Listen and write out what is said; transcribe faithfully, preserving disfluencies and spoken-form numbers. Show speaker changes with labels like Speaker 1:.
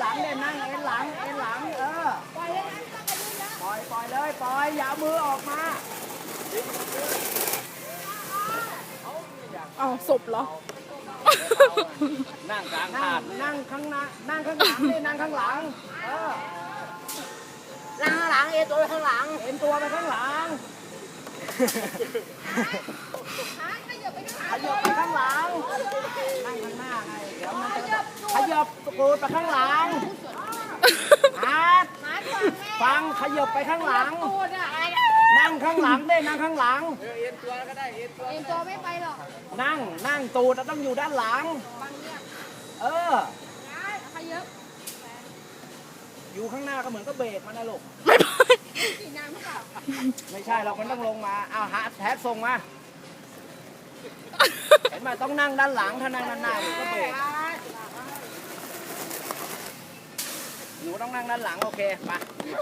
Speaker 1: หลังเนี่ยนั่งเอ็นหลังเอ็นหลังเออปล่อยเลยปล่อยปล่อยเลยปล่อยอย่ามือออกมา
Speaker 2: เอาศพเหรอ
Speaker 1: นั่งกลางถาดนั่งข้างหน้านั่งข้างหลังนี่นั่งข้างหลังเออนั่งข้างหลังเอ็นตัวไปข้างหลังเอ็นตัวไปข้างหลังขยับไปข้างหลังนั่งข้างหน้าไงเดี๋ยวมันจะขยับตูดไปข้างหลังอาร์ตฟังขยับไปข้างหลังนั่งข้างหลังได้นั่งข้างหลังเอ็นตัวก็ได้เอ็นตัวเอ็นตัวไม่ไปหรอกนั่งนั่งตูดต้องอยู่ด้านหลังเอออยู่ข้างหน้าก็เหมือนก็เบรกมันนะลูกไม่ไปไม่ใช่เราคนต้องลงมาเอาหาแท็กส่งมาเห็นไหมต้องนั่งด้านหลังถ้านั่งด้านหน้ามันก็เบรกหนูต้องนั่งด้านหลังโอเคไป